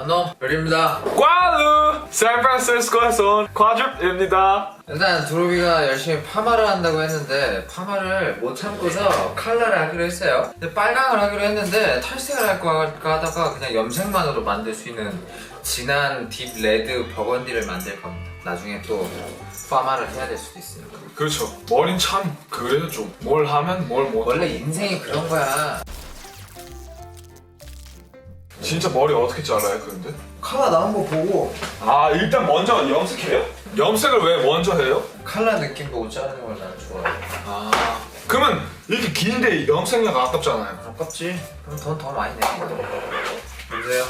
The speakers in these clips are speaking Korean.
안녕, 별입니다. 꽈루! 샌프란시스코에서 온 꽈줍입니다. 일단 두루비가 열심히 파마를 한다고 했는데 파마를 못 참고서 컬러를 하기로 했어요. 근데 빨강을 하기로 했는데 탈색을 할까 하다가 그냥 염색만으로 만들 수 있는 진한 딥 레드 버건디를 만들 겁니다. 나중에 또 파마를 해야 될 수도 있으니까. 그렇죠. 머린 참 그래요 좀. 뭘 하면 뭘 못. 원래 인생이 그런 거야. 진짜 머리 어떻게 잘라요 그런데? 컬러 나온 거 보고 아 일단 먼저 염색해요? 염색을 왜 먼저 해요? 컬러 느낌 보고 자르는 걸 나는 좋아해. 아 그러면 이렇게 긴데 염색약 아깝잖아요. 아깝지? 그럼 돈 더 많이 내는 거야. 보세요.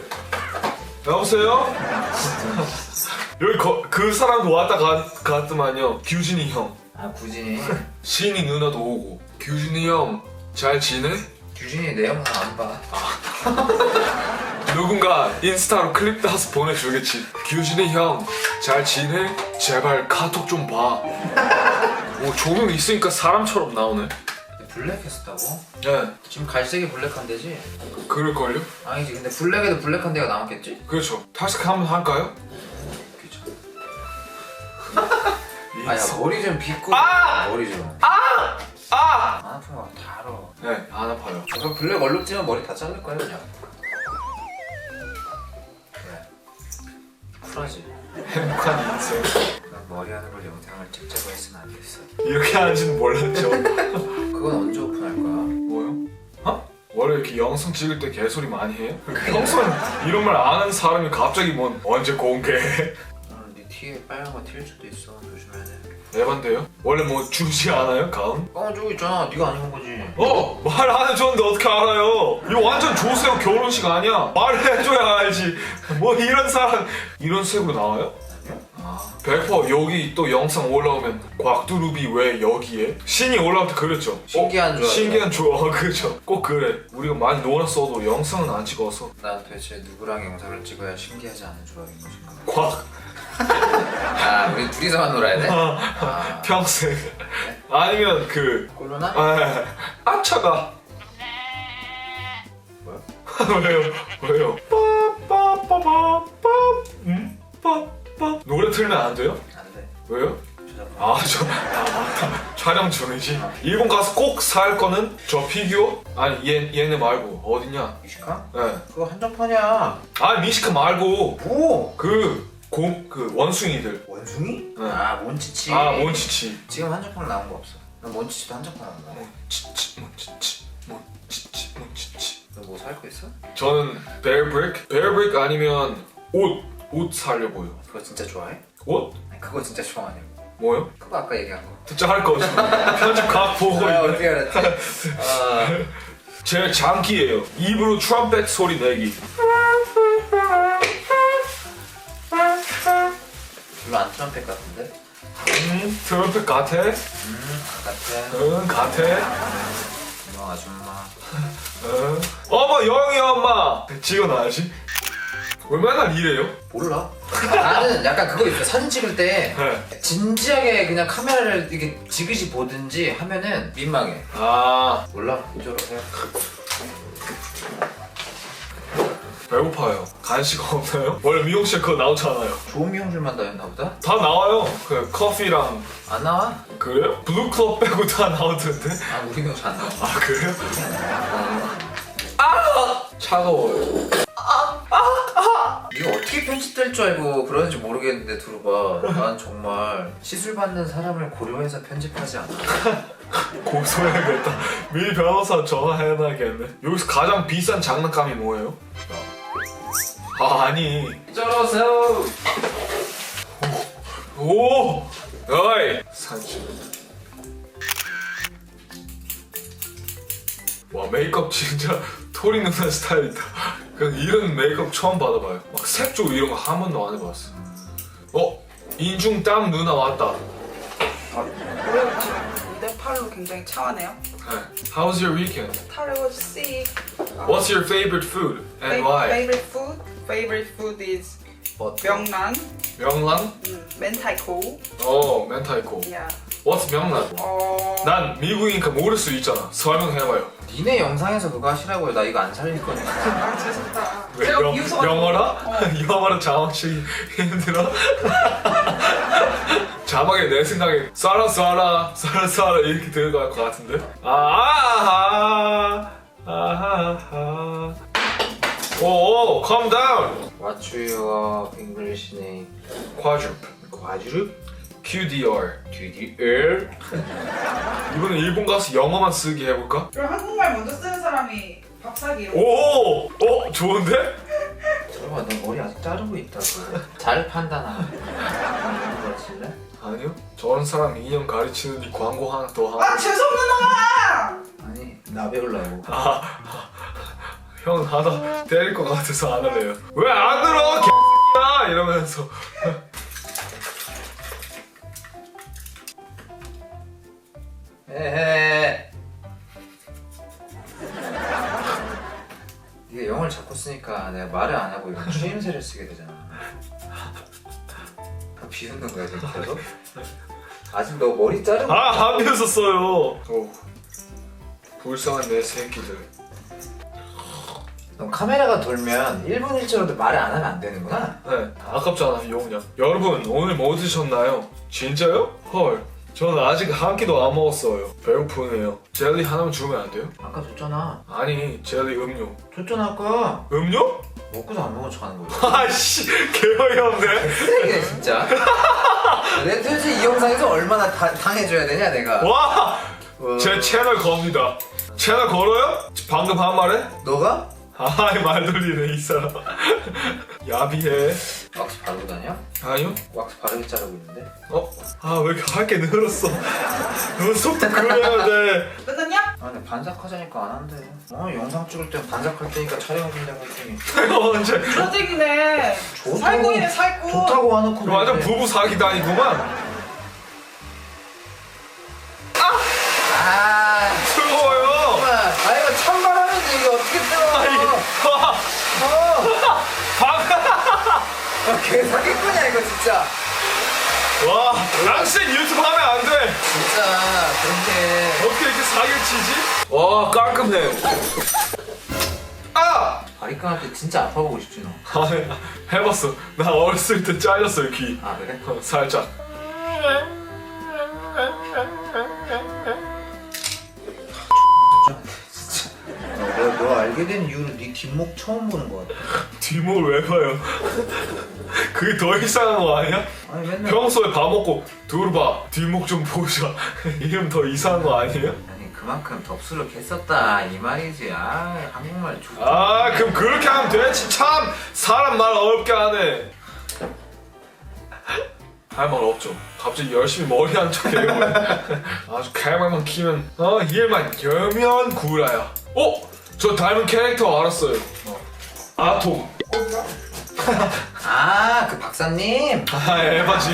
여보세요? 여기 그 사람도 왔다 갔더만요. 규진이 형. 아 구진이. 신이 누나도 오고. 규진이 형 잘 지내? 규진이 내 영상 안 봐. 누군가 인스타로 클립 따서 보내주겠지. 규진이 형 잘 지내? 제발 카톡 좀 봐. 뭐 조명 있으니까 사람처럼 나오네. 블랙 했었다고? 네 지금 갈색이 블랙한 데지? 그럴걸요? 아니지 근데 블랙에도 블랙한 데가 남았겠지? 그렇죠. 탈색 한번 할까요? 그죠. 아야 머리 좀 빗고 머리 좀 안 아픈 거 다 알아. 네, 안 아파요. 그럼 블랙 얼룩지면 머리 다 자를 거야 그냥. 그래 쿨하지? 행복한 인생. 난 머리 하는 걸 영상을 찍자고 했으면 안 됐어. 이렇게 하는지는 몰랐죠. 그건 언제 오픈할 거야? 뭐요? 어? 원래 이렇게 영상 찍을 때 개소리 많이 해요? 평소엔 이런 말 안 하는 사람이 갑자기 뭐 언제 공개해? 오늘 네 티에 빨간 거 튈 수도 있어. 조심해야 돼. 에반데요? 원래 뭐 주지 않아요? 가운? 어 저기 있잖아. 네가 안 입은 거지. 말 안 해줬는데 어떻게 알아요? 이거 완전 조세호 결혼식 아니야? 말해줘야 알지. 뭐 이런 사람 이런 색으로 나와요? 아, 100% 여기 또 영상 올라오면 곽두루비 왜 여기에? 신이 올라올 때 그랬죠. 신기한 조합. 신기한 조합. 그렇죠. 꼭 그래. 우리가 많이 놀았어도 영상은 안 찍어서. 난 도대체 누구랑 영상을 찍어야 신기하지 않은 조합인 것인가? 곽 아 우리 둘이서만 놀아야 돼? 아, 평생. 아니면 그 꼴로나? 아차가. 뭐야? 왜요? 빠빠빠빠빠. 빠빠. 노래 틀면 안 돼요? 안 돼. 왜요? 저작권. 맞다. 촬영 중이지. 일본 가서 꼭 살 거는 저 피규어? 아니 얘네 말고 어딨냐? 미식가? 네. 그거 한정판이야. 아 미시카 말고 뭐? 그 원숭이들. 원숭이? 네. 아 몬치치. 아 몬치치. 지금 한정판 나온 거 없어. 난 몬치치도 한정판 나온 거야. 몬치치. 너 뭐 살 거 있어? 저는 베어브릭 아니면 옷 살려고요. 그거 진짜 좋아해? 옷? 아니, 그거 진짜 좋아하냐? 뭐요? 그거 아까 얘기한 거. 진짜 할 거죠. 편집 각 보고 아, 있네. 어떻게 알았지? 아, 제 장기예요. 입으로 트럼펫 소리 내기. 별로 안 트럼펫 같은데? 트럼펫 같아? 같아. 응 같아. 너 아줌마. 응. 어머 영희 엄마. 찍어놔야지. 왜 맨날 이래요? 몰라. 나는 약간 그거 있어. 사진 찍을 때 네. 진지하게 그냥 카메라를 이렇게 지그시 보든지 하면은 민망해. 아 몰라. 이쪽으로 해. 배고파요. 간식 없나요? 원래 미용실 그거 나오잖아요. 좋은 미용실만 다녔나 보다? 다 나와요. 그 커피랑 안 나와? 그래요? 블루클럽 빼고 다 나오던데? 아 우리 미용실 안 나와. 아 그래요? 아 차가워요. 이거 어떻게 편집될 줄 알고 그러는지 모르겠는데 들어봐. 난 정말 시술 받는 사람을 고려해서 편집하지 않아. 고소해야겠다. 미리 변호사 전화해놔야겠네. 여기서 가장 비싼 장난감이 뭐예요? 아 아니. 이쪽으로 오세요. 오! 어이! 산책. 와 메이크업 진짜 토리 누나 스타일이다. 그냥 이런 메이크업 처음 받아봐요. 막 색조 이런 거 한 번도 안 해봤어. 인중 땀 누나 왔다. 내 팔로 굉장히 차하네요. 네. How's your weekend? How was see? What's your favorite food and why? Favorite food? Favorite food is 명란, 명란? 멘타이코. 멘타이코. Yeah. What's 명란? 난 미국이니까 모를 수 있잖아. 설명해봐요. 니네 영상에서 그거 하시라고요. 나 이거 안 살릴 거니까. 아 죄송합니다. 왜 제가 명- 미국 무서워. 영어라? 영어라 자막치기 힘들어? 자막에 내 생각에 쏴라 이렇게 들어갈 것 같은데? 오, calm down. What's your English name? quadruple. 과주르? QDR. DDR? 이번엔 일본 가서 영어만 쓰기 해볼까? 그럼 한국말 먼저 쓰는 사람이 밥 사기. 오! 좋은데? 설마 너 머리 아직 자르고 있다고. 잘 판단하네. 이거 칠래? 아니요. 저런 사람 2년 가르치는데 광고 하나 더 하고. 아 재수없는 놈아! 아니 나 배우려고. 형 하다 때릴 것 같아서 안 할래요. 왜 안 들어? 개X야 이러면서. 에헤. 네가 영어를 자꾸 쓰니까 내가 말을 안 하고 이런 추임새를 쓰게 되잖아. 비웃는 거야 지금 계속? 아직 너 머리 자르고 하면서 써요. 오, 불쌍한 내 새끼들. 너 카메라가 돌면 1분 1초라도 말을 안 하면 안 되는구나? 네, 아깝잖아 용량. 여러분 오늘 뭐 드셨나요? 진짜요? 헐, 저는 아직 한 끼도 안 먹었어요. 배고프네요. 젤리 하나만 주면 안 돼요? 아까 줬잖아. 아니 젤리 음료. 줬잖아 아까. 음료? 먹고도 안 먹은 척 하는 거야. 아씨 개어이 없네. 쓰레기네 진짜. 내가 도대체 이 영상에서 얼마나 당해줘야 되냐 내가. 와! 제 채널 겁니다. 채널 걸어요? 방금 한 말에? 너가? 아이 말 돌리네 이 사람. 야비해. 왁스 바르고 다녀? 아니요? 왁스 바르게 자르고 있는데? 왜 이렇게 할게 늘었어. 너 속도 그려야 돼. 끝났냐? 아 근데 반삭하자니까 안 한대. 영상 찍을 땐 반삭할 테니까 촬영해준다고 했더니 내가 언제 조직이네. 좋다고. 살구이네 살구. 좋다고 와놓고 완전 부부 사기다니구만. 아 뜨거워요. 아 이거 찬바람인데 이게 어떻게 뜨거워. 걔 사기꾼이야 이거 진짜. 와, 당신 유튜브 하면 안 돼. 진짜 그렇게 어떻게 이렇게 사기를 치지? 와, 깔끔해. 바리깡 때 진짜 아파 보고 싶지 너. 해봤어. 나 어렸을 때 잘렸어요 귀. 아 그래? 살짝. 너 알게 된 이후로 네 뒷목 처음 보는 거 같아. 뒷목을 왜 봐요? 그게 더 이상한 거 아니야? 아니 맨날 평소에 밥 먹고 두루봐 뒷목 좀 보자. 이러면 더 이상한 거 아니에요? 아니 그만큼 덥수룩 했었다 이 말이지. 아 한국말 좋다. 그럼 그렇게 하면 되지. 참 사람 말 어렵게 하네. 할 말 없죠. 갑자기 열심히 머리 한 척해요. 아주 칼말만 키면 일만 여면 구라야. 저 닮은 캐릭터 알았어요. 아톰. 아 그 박사님. 에바지.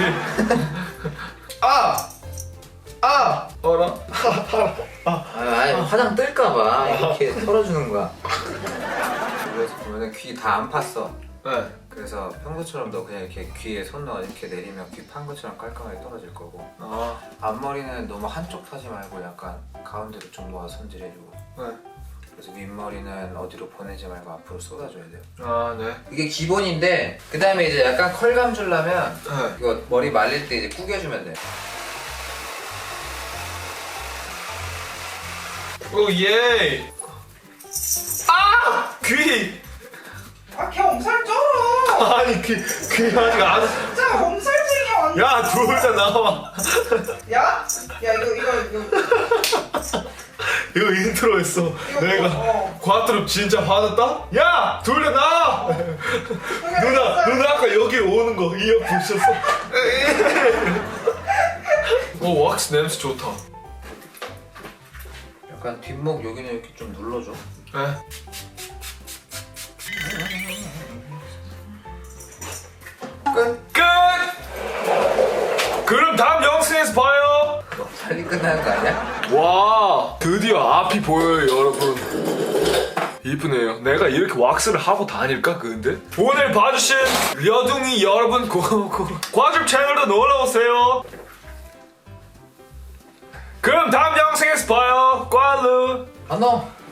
어라? 아니 화장 뜰까봐 이렇게 털어주는 거야. 그래서 보면은 귀 다 안 팠어. 네. 그래서 평소처럼 너 그냥 이렇게 귀에 손 넣어 이렇게 내리면 귀 판 것처럼 깔끔하게 떨어질 거고. 앞머리는 너무 한쪽 타지 말고 약간 가운데로 좀 놓아 손질해주고. 네. 그래서 윗머리는 어디로 보내지 말고 앞으로 쏟아줘야 돼요. 네. 이게 기본인데 그 다음에 이제 약간 컬감 주려면 네. 이거 머리 말릴 때 이제 구겨주면 돼. 오 예. 귀. 걔 엄살 쩔어. 아니 귀 아직 안. 진짜 엄살쟁이야 완전. 야 둘 다 나와. 야 이거 이거 인트로 했어. 내가 과트로 진짜 화났다? 야! 둘 다 나와! 누나 아까 여기 오는 거 이어 보셨어? 오 왁스 냄새 좋다. 약간 뒷목 여기는 이렇게 좀 눌러줘. 네. 끝! 그럼 다음 영상에서 봐요. 너무 빨리 끝나는 거 아니야? 와 드디어 앞이 보여요 여러분. 이쁘네요. 내가 이렇게 왁스를 하고 다닐까 근데? 오늘 봐주신 려둥이 여러분 과즙 채널도 놀러오세요. 그럼 다음 영상에서 봐요. 꽈루. 안녕!